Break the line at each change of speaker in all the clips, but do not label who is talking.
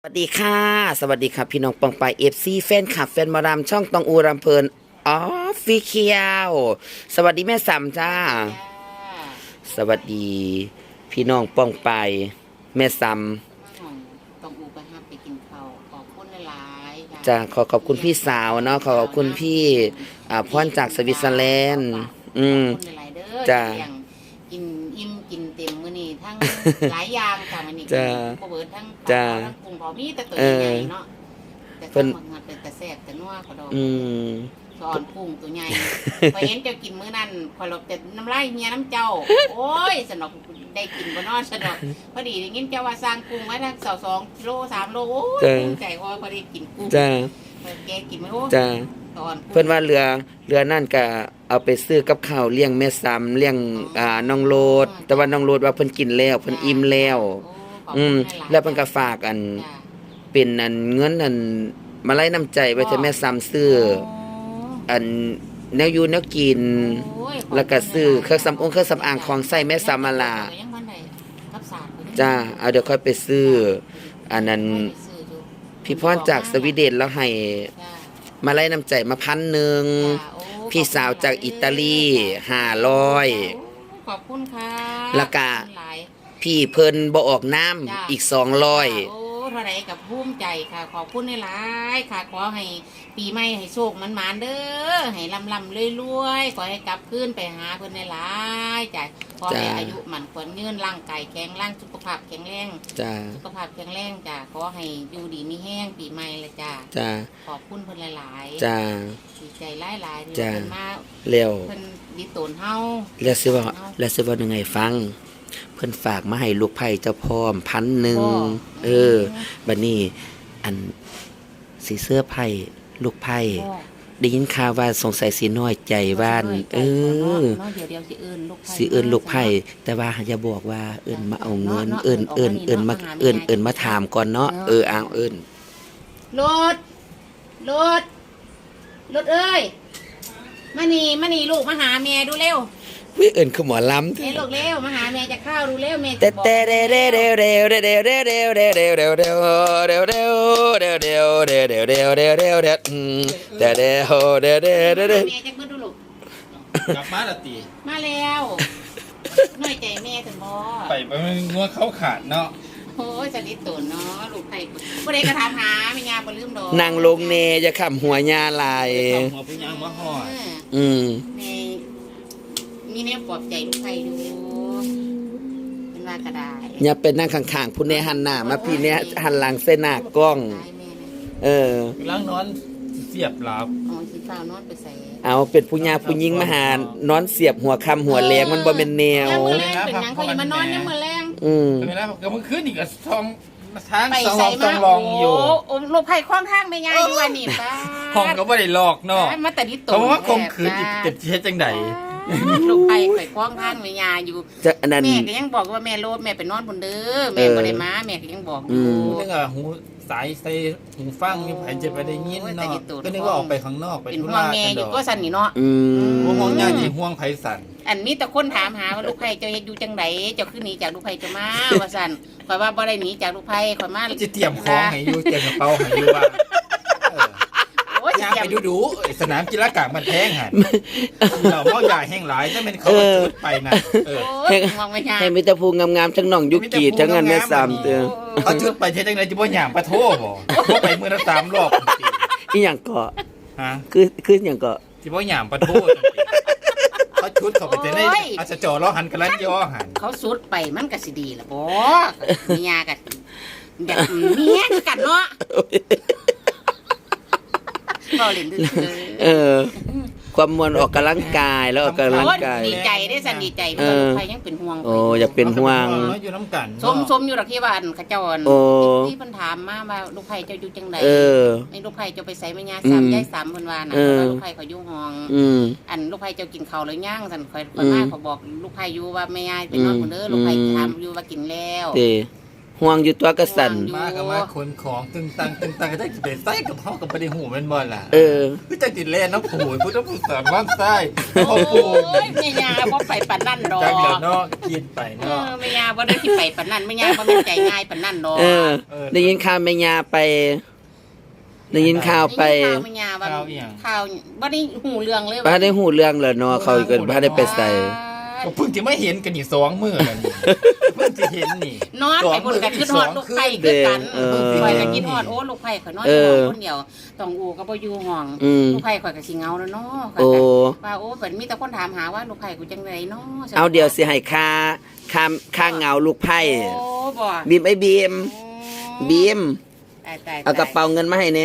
สวัสดีค่ะสวัสดีครับพี่น้องปองไปFCแฟนคลับแฟนหมารำช่องตองอูรำเพลินออฟฟิเชียลสวัสดีแม่สามจ้าสวัสดีพี่น้องปองไปแม่สาม
ต้องอูไปห้าไปกินข้าวขอบคุณหลายๆ
จ้าขอบคุณพี่สาวเนาะขอบคุณพี่พรจากสวิตเซอร์แลนด์
ขอบคุณหลายๆเด้อ
จ้า
อย่างกินอิ่มกินเต็มมื้อนี้ทั้งหลายอย่างค่ะมื้อนี้
จ้า
ก็เบิดทั้ง
จ้า
ทั้งกุ้งเผามีแต่ตัวใหญ่ๆเนาะแต่
เพิ่
ทั้
น
งมันเป็นตะแซ่บแต่นัวเขาดอก
อืม
สอนกุ้งตัวใหญ่พอเห็นเจ้ากินมื้อนั้นพอเราแต่น้ำลายเมียน้ำเจ้า โอ้ยสนอกได้กินบ่เนอสนอกพอดีได้ยินเจ้าว่าสร้างกุ้งไว้ทั้ง2กิโล3โลโอ้ยภูมิใจว่าพอได้กินกุ้ง
จ้า
แกกินไหมโอ้
จ้า
ตอน
เพิ่นว่าเรือนั่นก็เอาไปซื้อกับข้าวเลี้ยงแม่ซ้ำเลี้ยงน้องโลดแต่ว่าน้องโลดว่าเพิ่นกินแล้วเพิ่นอิ่มแล้วแล้วเพิ่นก็ฝากเป็นเงินมาไล่น้ำใจไว้ให้แม่ซ้ำซื้อแนวอยู่แนวกิน แล้วก็ซื้อเครื่องสำอางของใส่แม่ซ้ำมาล่ะจ้าเอาเดี๋ยวค่อยไปซื้ออันนั้นพี่พรจากสวีเดนแล้วให้มาไล่น้ำใจมา1,000พี่สาวจากอิตาลี500
ขอบคุณค่ะ
แล้วก็พี่เพิ่นบ่ออกน้ำอีก200
โอ้เท่าไรกับภูมิใจค่ะขอบคุณหลายๆค่ะขอให้ปีใหม่ให้โชคมันๆเด้อให้ลำรวยๆขอให้กลับคืนไปหาเพิ่นหลายๆจ้ะขอให้อายุมันควรยืนร่างกายแข็งแรงสุขภาพแข็งแรง
จ้า
สุขภาพแข็งแรงจ้ะขอให้อยู่ดีมีแห้งปีใหม่เลยจ้ะ
จ้า
ขอบคุณเพิ่นหลายๆ
จ้า
ดีใจหลายๆที่
จ้ะ
เพิ่นมา
เร็ว
เพิ่นดีตนเฮา
แล้วสิว่ายังไงฟัง เพิ่นฝากมาให้ลูกไผ่เจ้าพร้อม1,000บัดนี้อันสิเสื้อไผ่ลูกไผ่ได้ยินข่าวว่าสงสัยสิน้อยใจบ้าน
เดี๋ยวสิเอิ้นลูกไผ่
สิเอิ้นลูกไผ่แต่ว่าอย่าบอกว่าเอิ้นมาเอาเงินเอิ้นมาถามก่อนเนาะเอาเอิ้น
รถเอ้ยมานี่ลูกมาหาแม่ดูเร็ว
วิเอิ้นคือหมอลำ
เฮ้ยลูกเร็วมาหาแม่จะข้าวดูเร็วแม่
แต่
จะบอก
แต่เร็ว
แม่จะมาดูลูก
กลับมาละตี
มาแล้วน้อยใจแม่ถึงบ่
ไปมันงัวเขาขาดเนาะ
โอ้ยจะดิตนเนาะลูกไผ่บ่ได้กระทำหาแม่ยาบ่ลืมดอก
นางลงเนจะขำหัวญาลาย
หัวพี่ยางมาหอด
แม่มีแนวปลอบใจลูกไผ่ดูเป็นว่ากระดาษ
อย่าเป็นนั่งข้างๆผู้เนหันหน้ามาพี่เนี้ยหันหลังเส้นหน้ากล้อง
ล้างนอนเสียบหลับ
อ๋อสีฟ้านอนไปใส่
เอาเป็นผู้ญาผู้หญิงมาหานอนเสียบหัวคำหัวแรงมันบ่เป็นแนว
ยามมื้อแรงเป็นหยังเขาอย่ามานอนยามมื้อแรง
เวลาก็เมื่อคืนนี่ก็ทองทาง
ไป
สอง
ใส่
ต้
มา
องลองอยู่
โอ้ลูกไผ่คล้องทางแม่ยายอยู่ว่านี่ป้า
ห้องก็ไม่ได้หลอกเนาะ
มาแต่ดิตน
เพราะว่าคมคืนเจ็บเช็ดจังได
ลูกไผ่ข่อยคล้องทางแม่ยายอยู่
จะอันนั้น
แม่ก็ยังบอกว่าแม่โลดแม่ไปนอนบนเด้อแม่บ่ได้มาแม่ก็ยังบอกอยู่
นึกว่าหูสายใส่หูฟังนี่ไผจะไปได้ยินเนาะก็นึกว่าออกไปข้างนอกไป
เป็น
ธุ
ห่ว
ระ
งแม่
กัน
อ
ด
ยู่
อก
ก็สั่นนี่เนาะ
ห่วงญาติห่วงไผสั่น
อันมีแต่คนถามหาว่าลูกไผ่เจ้าเฮ็ดอยู่จังไดเจ้าคือหนีจากลูกไผ่เจ้ามาว่าสั่นข่อยว่าบ่ได้หนีจากลูกไผ่ข่อยมา
จะเตรียมของให้อยู่เตรียมกระเป๋าให้อยู่ว่า
โอ้ย
ย่าง
เตรีย
ไป
ม
ดูสนามกีฬากลางมันแพงหันเราเมาใหญ่แห้งหลายถ้าเป็นเขาจุดไปนะ
โอ้ยมองไม่ยาก
ให้มีแต่ภูงามๆทั้งน้องยุกีทั้งนั้นแม่ซ้ำเด้อ
เขาจุดไปเท่จังไรจะบ่หยามปะโทบ่เขาไปมือละ3 รอบ
อีหยังเกาะ
ฮะ
คือหยังเกาะ
จะบ่หยามปะโทเขาชุดเขาไปแต่ในอาจจะจ่อล้อหันกันลันย่อหัน
เขาสุดไปมันก็สิดีล่ะบ่มียากันอยากเมียคือกันเนาะบ่เล่นซื่อ
ความมวลออกกำลังกายแล้วออกกำลังกาย
ดีใจได้สันดีใจเพราะลูกไผ่ยังเป็นห่วง
โอ้อยากเป็นห่วง
อยู่น้ำกัน
สมอยู่ดอกที่ว่าอันเขาเจ้าอัน
โอ้
ที่เพิ่นถามมาว่าลูกไผ่เจ้าอยู่จังได ไอ้ลูกไผ่เจ้าไปใส่แม่ย่าซ้ำยายซ้ำเพิ่นว่านะลูกไผ่เขาอยู่ห้องอันลูกไผ่เจ้ากินข้าวหรือยังสั่นค่อยมาเขาบอกลูกไผ่อยู่ว่าแม่ย่าไปนอนพุ่นเด้อลูกไผ่ถามอยู่ว่ากินแล้ว
ห่วงอยู่ตัวกระสัน
มากับมาขนของตึงตังก็ได้สิไปใส่กับเฮากับบ่ได้หูแม่นบ่ล่ะ คือจังติดแล่นน้ำผูพุทธพุทธสามวันไส้พ่อปู
โอ้ยแม่ยาบ่ไปปานนั่นดอก
จังเดี๋ยวเนาะกินไปเนาะ
แม่ยาบ่ได้ที่ไปปานนั่นแม่ยาบ่แม่นใจง่ายปานนั่นดอก
ได้ยินข่าวแม่ยาไปได้ยินข่าวไป
ข่าวแม่ยาว่าข่าวบ่ได้หูเรื่องเลย
บ้านได้หูเรื่องแล้วเนาะเขาก็บ้านได้ไปใส่
ก็เพิ่งจะไม่เห็นกันอีก2 มื้อแล้วนี่เพิ่งจะเห็นนี่
นอนไปคนกันคิดฮอดลูกไผ่คือกันข่อยก็คิดฮอดโอ้ลูกไผ่ข่อยนอนอยู่ห้องคนเดียวต้องอูก็บ่อยู่ห้องลูกไผ่ข่อยก็สิเหงาแล้วเนาะว่าโอ้เพิ่นมีแต่คนถามหาว่าลูกไผ่กูจังไดเนาะ
เอาเดี๋ยวสิให้ค่าเหงาลูกไผ่
โอ้บ่
บีมไอ้บีม
ตาย
เอากระเป๋าเงินมาให้แน่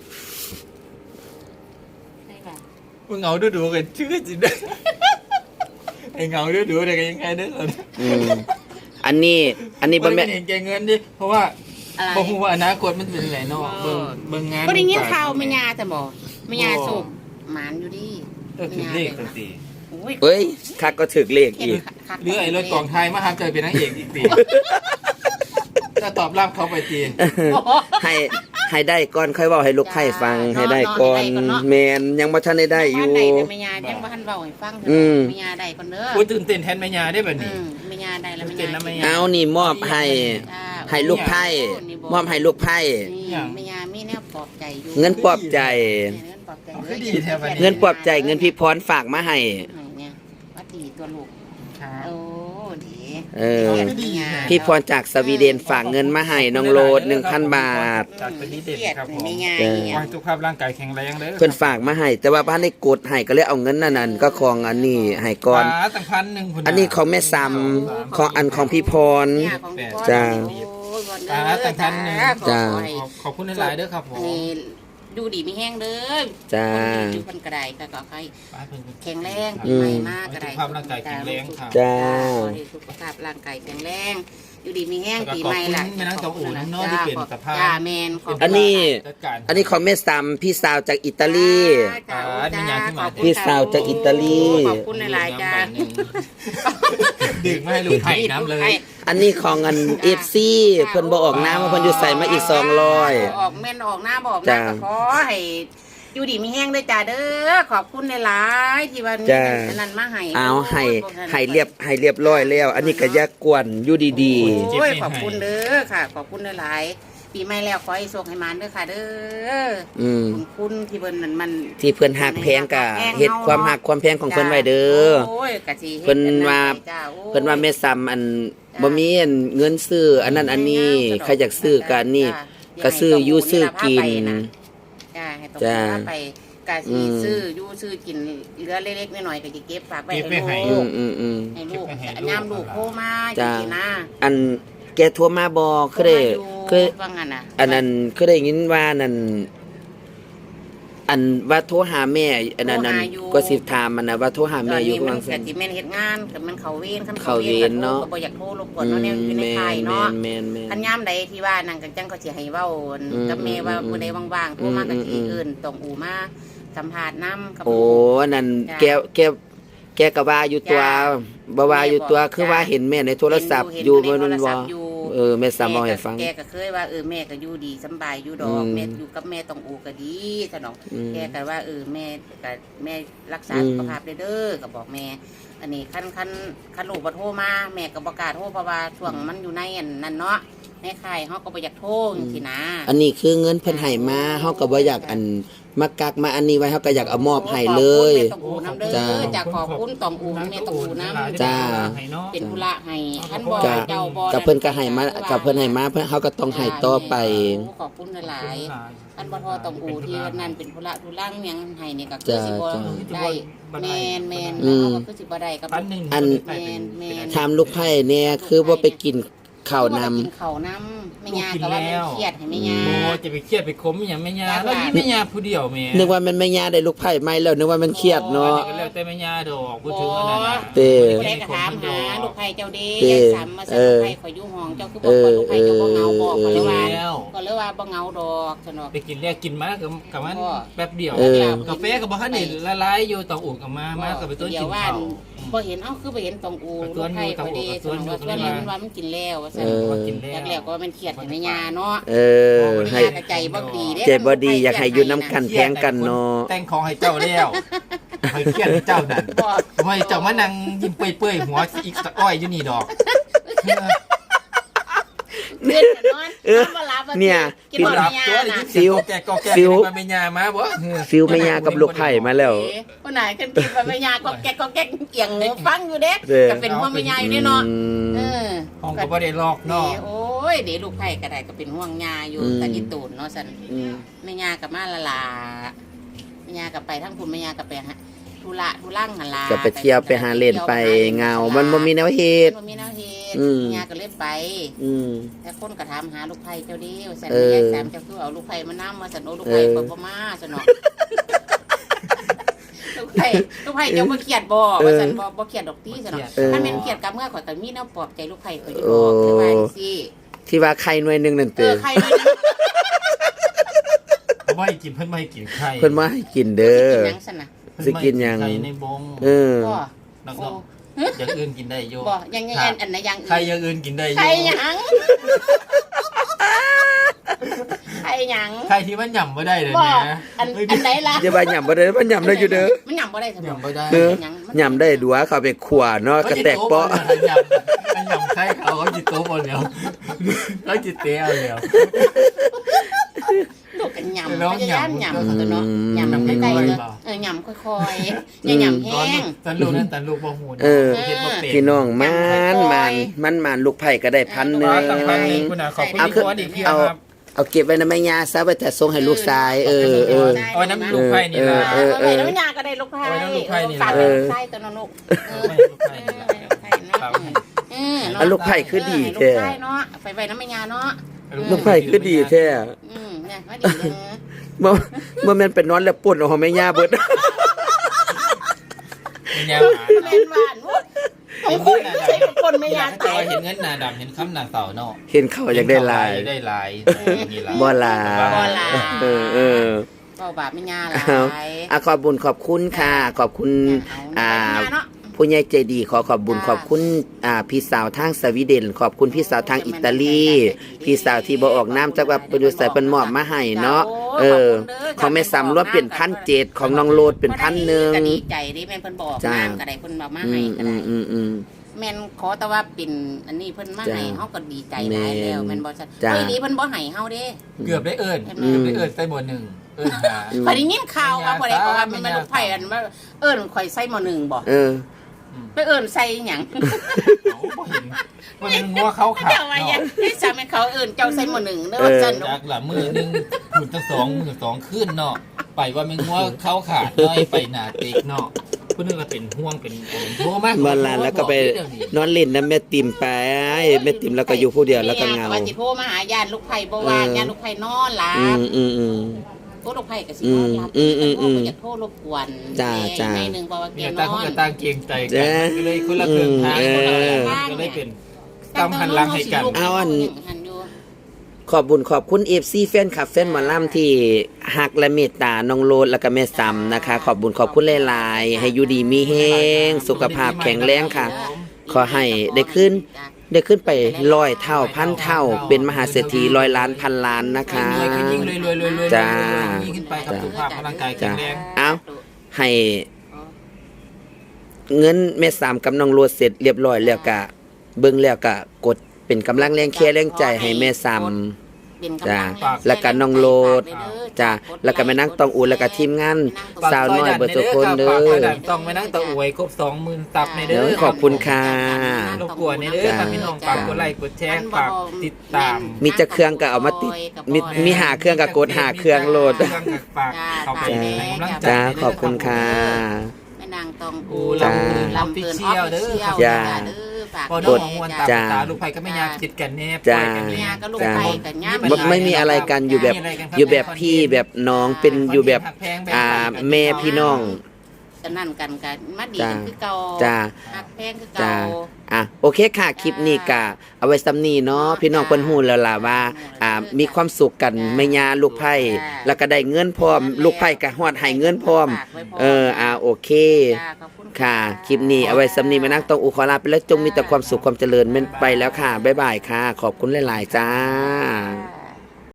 มึงเหงาดูๆกันชื่อสิเด้อไอ้เหงาดูๆได้กันยังไงเด้อ
อันนี้บ่แม่น
เห็นแกเงินดิเพราะว่าบ่ฮู้ว่าอนาคตมันเป็นไงเนาะเบิ่งงาน
บ่ได้ยินข่าวแม่ยาแต่บ่แม่ยาสุกหมานอยู่ดิ
ถึงเลขตัวตี
เฮ้ยคักก็ถึกเลขอีก
หรือไอ้รถกองไทยมาหาเจอเป็นนางเอกอีกตีจะตอบรับเขาไปตี
ให้ได้ก่อนค่อยเว้าให้ลูกไผ่ฟังให้ได้ก่อนแม่นยังบ่ทันได้อยู่
แม่ยายังบ่ทันเว้าให้ฟังแม่ยาได้ก่อนเด้อ
โอ้ยตื่นเต้นแทนแม่ยาได้แบบนี้
แม่ยาได้แล้วแม่ยา
เอานี่มอบให้ลูกไผ่มอบให้ลูกไผ่
แม่ยามีแนวปลอบใจอยู่
เงินปลอบใจ
คือดีแท้บัดนี้
เงินปลอบใจเงินพี่พรฝากมาให้
เนี่ยว่าดีตัวลูก
ครับ
โอ้ดี
พี่พรจากสวีเดนฝากเงินมาให้น้องโรด 1,000 บาท
จากเป็นนิเด็ดครับผม
แม่ยา
ขอให้สุขภาพร่างกายแข็งแรงเด้อ
เพิ่นฝากมาให้แต่ว่าบ้านได้กดให้ก็เลยเอาเงินนั่นก็ของอันนี้ให้ก่อน
ตั้ง1,000พุ่
อันนี้ของแม่ซ้ำของพี่พร จ้า
ตั้ง1,000
จ้า
ขอบคุณหลายๆเด้อครับผม
ดูดีมีแห้งเด้อ
จ้า
อยู่คนกระไดก็ขอให้แข็งแรง
อืม
ใหม่มากกระได
สุขภาพร่างกายแข็งแรงครับ
จ้า
สุขภาพร่างกายแข็งแรงอยู่ดีมีแห้งปีใหม่ล่ะ
ขอบคุณแม่นางตองอู่น้ำน้อยที่เปลี่ยนสภาพ
จ้าแมนขบคุณ
อันนี้
จัดการ
อันนี้ของแม่ซ้ำพี่สาวจากอิตาลี
จ้า
มีงานขึ้นมา
ขอบคุณ
พี่สาวจากอิตาลี
ขอบคุณหลายๆจ้า
ดื่มไม่ให้ลูกไผ่น้ำเลย
อันนี้ของอัน FC เพิ่นบ่ออกน้ำมาเพิ่นอยู่ใส่มาอีก200
ออกแม่นออกหน้าบอกนะก็ขอให้อยู่ดีมีแห้งด้วยจ้าเด้อขอบคุณหลายๆที่วันนี้นั้นมาให้
เอาให้เรียบร้อยแล้ว อันนี้ก็อย่ากวนอยู่ดี
โอ้ยขอบคุณเด้อค่ะ ขอบคุณหลายๆปีใหม่แล้วขอให้โชคให้มานเด้อค่ะเด้อ
ๆอืม
ขอบคุณที่เพิ่นนั่นมัน
ที่เพิ่นฮักแพงก็เฮ็ดความฮักความแพงของเพิ่นไว้เด้อ
โอ้ยกะสิฮ็ด
เพิ่นว่า
จ้โอ้ย
เพิ่นว่าแม่ซ้ำอันบ่มีอันเงินซื้ออันนั้นอันนี้ใครอยากซื้อก็อันนี้ก็ซื้ออยู่ซื้อกิน
จ้าให้ต้อง
จ้า
ไปกะสิซื้ออยู่ซื้อกินเหลือเล็กๆน้อยๆก็จะเก็บฝากไว้
เก็บไว้ให้
ให้ลูก
อืม
ให้ลูก
เก็บไว้ให้ลูก
ยามลูกโทรมาจั
จ้า
งซี่นะ
อันแกโทรมาบ่คือได้คือ
ว่างั้นน่ะ
อันนั้นคือได้ยินว่านั่นอันว่าโทรหาแม่อันนั้นนั่นก็สิถามมันนะว่าโทรหา
ต
แม่
อน
อยู่
นี้
กำ
มั
ลั
น
ง
ก็สิแม่นเฮ็ดงานก็มันเข้าเวรคัน
เข้าเวรเนาะ
ก็บ่อยากโทรรบกวนเนาะเนี่ยอยู่ในค่ายเนาะ
แม่น
คันยามใดที่ว่านั่นก็จังเขาสิให้เว้ากับแม่ว่ามื้อใดว่างๆโทรมาก็สิเอิ้นต้องอูมาสัมภาษณ์นำกับ
โอ้
ลูก
อันนั้น
จ้ะ
แกก็ว่าอยู่ตัว
จ้ะ
บ่ว่าอยู่ตัวคือว่าเห็นแม่ในโทรศัพท์อยู่บ่นั่นบ่แม่ซ้ำบ่ให้ฟัง
แกก็เคยว่าแม่ก็อยู่ดีสำบายอยู่ดอกแม่อยู่กับแม่ต้องอูก็ดีซะดอกแกก็ว่าแม่ก็แม่รักษาสุขภาพเด้อก็บอกแม่ อันนี้คันลูกบ่โทรมาแม่ก็บ่กล้าโทรเพราะว่าช่วงมันอยู่ในอันนั้นเนาะในค่ายเฮาก็บ่อยากโทรจังซี่นะ
อันนี้คือเงินเพิ่นให้มาเฮาก็บ่อยากอันมากักมาอันนี้ไว้เฮาก็อยากเอามอบให้เลย
ขอบคุณแม่ต้องอูน้ำเด้
จ้า
อจากขอบคุณต้องอูแม่ต้องอูน้ำ
จ้า
เป็นธุระให้คันบ่
ก็
เจ้าบ่
กับเพิ่นก็ให้มากับเพิ่นให้มาเพิ่นเฮาก็ต้องให้ต่อไป
ขอบคุณหลายๆ อันบ่ทอต้องอูที่นั่นเป็นธุระทุลังหยังให้นี่ก็คือสิบ่ได้แม่นๆก็คือสิบ่ได้กับ
อัน
แม่น
ถามลูกไผ่เนี่ยคือว่าไปกินข้าวนำ
กินข้าวนำแม่ยาก็ว่ามันเครียดให้แม่ยา
โอ้จะไปเครียดไปคมอย่างแม่ยาแล้วนี่แม่ยาผู้เดียวแม่
นึกว่ามันไม่ยาได้ลูกไผ่ไม่แล้วนึกว่ามันเครียดเนาะ
ก็แล้วแต่แม่ยาดอกพูดถึงอันนั้นน่ะ
เต้
ผู้ใดก็ถามหาลูกไผ่เจ้าเด้ยายสามมาสั่งลูกไผ่ขอยอยู่ห้องเจ้าคือบอกว่าลูกไผ่เจ้าบ่เหงาบอกก็เลยว่าก็เลยว่าบ่เหงาดอกซะเนาะ
ไปกินแล้วกินมากับมันแป๊บเดียว
เออ
กาแฟกับบ่ทันได้ละลายอยู่ต้องอุ่นกับมากับไปต้น
เดี๋
กิ
ย
น
วว่า
ข้าว
บ่เห็นเอ้าคือบ่เห็นตองอูลูกไผ่ขอยเด้สนว่าส่วนนี้มันว่ามันกินแล้วว่าซั่น
ว่ากิน
อยากแล้วก็มันเครียดให้แม่ย่าเนาะ
ให้
แม่ย่าก็ใจบ่ดีเด้
ใจบ่ดีอยากให้อยู่น้ำกันแพงกันเนาะ
แต่งของให้เจ้าแล้วให้เครียดให้เจ้านั่นทำไมเจ้ามานั่งยิ้มเปื่อยๆหัวอีกสะอ้อยอยู่นี่ดอก
เดือนนอนบ่หลับ
เนี่ย
กินบ่แม่ย่าน่ะ
ฟิวแกก็แกมาเป็นยามาบ่
ฟิลแม่ย่ากับลูกไผ่มาแล้ว
คนไหนกันกินบ่แม่ย่าก็แก๊กเอียงหูฟังอยู่เด้ก็เป็นห่วงแม่ย่าอยู่เนาะ
ห้องก็บ่ได้ลอกนอก
โอ้ยเดี๋ยวลูกไผ่ก็ได้ก็เป็นห่วงย่าอยู่ตะกิตูนเนาะซั่นแม่ย่าก็มาละลาแม่ย่าก็ไปทั้งคุณแม่ย่าก็ไปธุระธุรั่งหั่นล่ะ
ก็ไปเที่ยวไปหาเล่นไปเงามันบ่มีแนวเฮ็ด
บ่มีแนวเฮ็ดย่าก็เลยไป แต่คนก็ถามหาลูกไผ่เจ้าเดียวซั่นแม่ย่าแซมเจ้าคือเอาลูกไผ่มานำมาซั่นโอ้ลูกไผ่บ่มาซั่นเนาะลูกไผ่เจ้าบ่เครียดบ่ว่าซั่นบ่เครียดดอกติซั่นเนาะถ้าแม่นเครียดกับเมื่อข่อยก็มีแนวปลอบใจลูกไผ่ข่อยอยู่บ่คือว่าจังซี่
ที่ว่าไข่หน่วยนึงนั่นเด้อ
ไข่ด้วย
บ่ให้กินเพิ่นบ่ให้กินไข่
เพิ่นมาให้กินเด้อ
กินหยังซั่นน่ะ
สิกินหยัง
ไข่ในบง
บ่
อย่างอื่นกินได้อยู่
บ่ยังอันไหนยัง
ไข่อย่างอื่นกินได้อยู่
ไข่หยังไข่หยัง
ไข่ที่มันหย่ำบ่ได้เลย
บ่
นะ
อันไหนล่ะ
อย่าว่าหย่ำบ่ได้มันหย่ำได้อยู่เด้อ
มันหยังบ่ได้ซั่น
หย่ำบ่ได้
เด้อหย่ำได้ดัวเข้าไปขั่วเนาะกระแตกเปาะ
มันหย่ำไข่เขาจิตโตบ่แล้วเขาจิตเตะเอาแล้ว
ลูกกันหยำพยายามหยำตัวเนาะหยำใกล้ๆเลยหยำค่อยๆอย่าหยำแห้ง
ตันลูกนั่นตันลูกบ่ฮู้
พี่น้องมันลูกไผ่ก็ได้1,000
ขอบคุณนะขอบคุณที่ขอดีพี่ครับ
เอาเก็บไว้ในแม่ย่าซะไว้แต่ส่งให้ลูกชาย
เอาน้ำลูกไผ่นี่ล่ะ
แล้วยาก็ได้ลูกไผ่ฝากลูกไผ่ตัวน้องลูก
เอาลูกไผ่คือดี
ลูก
แท้
ไผ่เนาะไปไว้น้ำแม่ย่าเนาะ
ลูกไผ่คือดีแท้
เนี่ยว่าดีเลย
บ่แม่นไปนอนแล้วป่นเอาของแม่ย่าเบิด
เป็นยัง
เล่นหวานของคุณใช้คนแม่ย่าตาย
เห็นเงินหน้าดำเห็นคำหน้าเสาเนาะ
เห็นเขาอยากได้ลาย
ได้ลายนี่ล่ะ
บ่ลา
ก็บาปแม่ย่าหลาย
ขอบบุญขอบคุณค่ะขอบคุณผู้ใหญ่ใจดีขอบบุญขอบคุณพี่สาวทางสวีเดนขอบคุณพี่สาวทางอิตาลีพี่สาวที่บ่ออกน้ำจักว่าเป็นใส่เป็นหมอบมาให้เนาะของแม่ซ้ำรวมเป็น1,700ของน้องโลดเป็น1,000
ก็ดีใจดิแม่นเพิ่นบอกน้ำก็ได้เพิ่นบอกมาให้ก็ได้แม่นขอแต่ว่าเป็นอันนี้เพิ่นมาให้เฮาก็ดีใจหลายแล้วแม่นบ่ซั่นเฮ้ยดีเพิ่นบ่ให้เฮาเด้
เกือบได้เอิ้นใส่หมวด1เอิ้นหา
ข่อยได้ยินข่าวว่าบ่ได้ว่ามันลูกไผ่อันว่าเอิ้นข่อยใส่หม้อ1บ่ไปเอิ้นใส่หยัง
บ่เห็นมันเป็นงัวเขาขาด
เจ้าว่าหยังให้สามีเขาเอิ้นเจ้าใส่หม้อ1เด้อว่าซั่น
จากละมือนึงพูดตั้ง2ขึ้นเนาะไปว่ามันงัวเขาขาดน้อยไปหน้าติ๊กเนาะผู้นึงก็เป็นห่วงเป็นโทรมา
วันลานแล้วก็ไปนอนเล่นน้ำแม่ติ่มไปแม่ติ่มแล้วก็อยู่ผู้เดียวแล้วก็เหงา
ว่าสิโทรมาหาญาติลูกไผ่บ่ว่าญาติลูกไผ่นอนหลับโทรลูกไผ่ก็สินอนหลับอยากโทรรบกวนในนึงบ่ว่าแก
เนี่ย
น
ต่าง
อ
คน
น
ก็ต่างเกรงใจกันก็เลยคนละครึ่งทางก็เลยเป็นตามหันหลังให้กัน
ขอบบุญขอบคุณ FC แฟนคลับแฟนหมอลำที่ฮักและเมตตาน้องโลดแล้วก็แม่ซ้ำนะคะขอบบุญขอบคุณหลายๆให้อยู่ดีมีแห้งสุขภาพแข็งแรงค่ะขอให้ได้ขึ้นไป100 เท่าพันเท่าเป็นมหาเศรษฐี100 ล้านพันล้านนะคะจ้า
ขึ้นไปกับสุขภาพร่างกายแข็งแรง
เอาให้เงินแม่ซ้ำกับน้องโลดเสร็จเรียบร้อยแล้วก็เบิ่งแล้วก็กดเป็นกำลังแรงแค่แรงใจให้แม่ซ้ำจ้าแล้วก็น้องโลดจ้าแล้วก็แม่นั่งตองอูแล้วก็ทีมงานสาวน้อยเบิดทุกคนเด้อ
ต้องไปนั่งตะอวยครบ 20,000 ซับในเด้อ
ขอบคุณค่ะ
รบกวนในเด้อพี่น้องฝากกดไลค์กดแชร์ฝากติดตาม
มีจะเครื่องก็เอามาติดมีหาเครื่องก็กดหาเครื่องโหลด
ฝากเข้าไปให้กำลังใจ
จ้าขอบคุณค่ะ
แม่นางตองอู
จ้า
ลำเกินออฟฟิเชียล
จ้า
พอน้องมวนตาลูกไผ่ก็ไม่ยากจิตกันแนบ
จ้า ไม่มีอะไรกันอยู่แบบพี่แบบน้องเป็นอยู่แบบแม่พี่น้อง
กันนั่นกันกันมาดีกันคือเก่า
จ้า
หักแพงคือเก่า
โอเคค่ะคลิปนี้ก็เอาไว้ซ้ำนี้เนาะพี่น้องเพิ่นฮู้แล้วล่ะว่ามีความสุขกันแม่ย่าลูกไผ่แล้วก็ได้เงินพร้อมลูกไผ่ก็ฮอดให้เงินพร้อมโอเค
จ้าขอบคุณ
ค่ะ คลิปนี้เอาไว้สำนีมานั่งตรงอุขอลาไปแล้วจงมีแต่ความสุขความเจริญไปแล้วค่ะ บ๊ายบายค่ะ ขอบคุณหลาย ๆ จ้า
จ้า